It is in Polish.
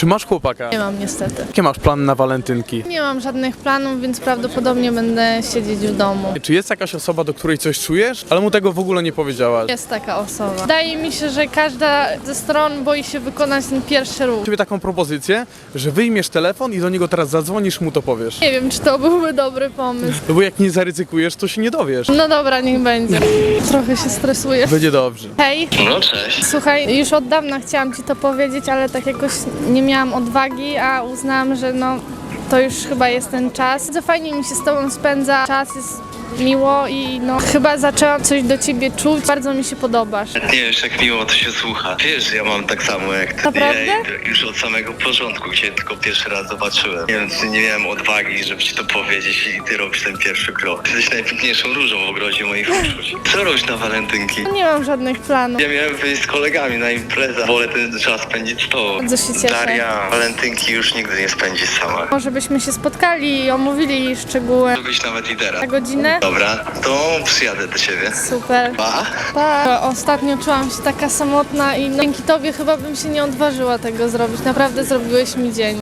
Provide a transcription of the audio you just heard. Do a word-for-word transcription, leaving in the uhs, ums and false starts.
Czy masz chłopaka? Nie mam niestety. Jakie masz plany na walentynki? Nie mam żadnych planów, więc prawdopodobnie będę siedzieć w domu. Czy jest jakaś osoba, do której coś czujesz, ale mu tego w ogóle nie powiedziałaś? Jest taka osoba. Wydaje mi się, że każda ze stron boi się wykonać ten pierwszy ruch. Ciebie taką propozycję, że wyjmiesz telefon i do niego teraz zadzwonisz, mu to powiesz. Nie wiem, czy to byłby dobry pomysł. No bo jak nie zaryzykujesz, to się nie dowiesz. No dobra, niech będzie. Trochę się stresuję. Będzie dobrze. Hej, No cześć. słuchaj, już od dawna chciałam ci to powiedzieć, ale tak jakoś nie miałam odwagi, a uznałam, że no to już chyba jest ten czas. Bardzo fajnie mi się z tobą spędza, czas jest miło i no chyba zaczęłam coś do ciebie czuć, bardzo mi się podobasz. Nie wiesz, jak miło to się słucha. Wiesz, że ja mam tak samo jak ty. Naprawdę? Ja już od samego początku, gdzie tylko pierwszy raz zobaczyłem. Nie wiem, czy nie miałem odwagi, żeby ci to powiedzieć i ty robisz ten pierwszy krok. Jesteś najpiękniejszą różą w ogrodzie moich uczuć. Co robisz na walentynki? Nie mam żadnych planów. Ja miałem wyjść z kolegami na imprezę. Wolę ten czas spędzić z tobą. Bardzo się cieszę. Daria walentynki już nigdy nie spędzi sama. Może byśmy się spotkali i omówili szczegóły Żebyś nawet i teraz. na godzinę? Dobra, to przyjadę do ciebie. Super. Pa! Pa. Ostatnio czułam się taka samotna i no, dzięki tobie chyba bym się nie odważyła tego zrobić. Naprawdę zrobiłeś mi dzień.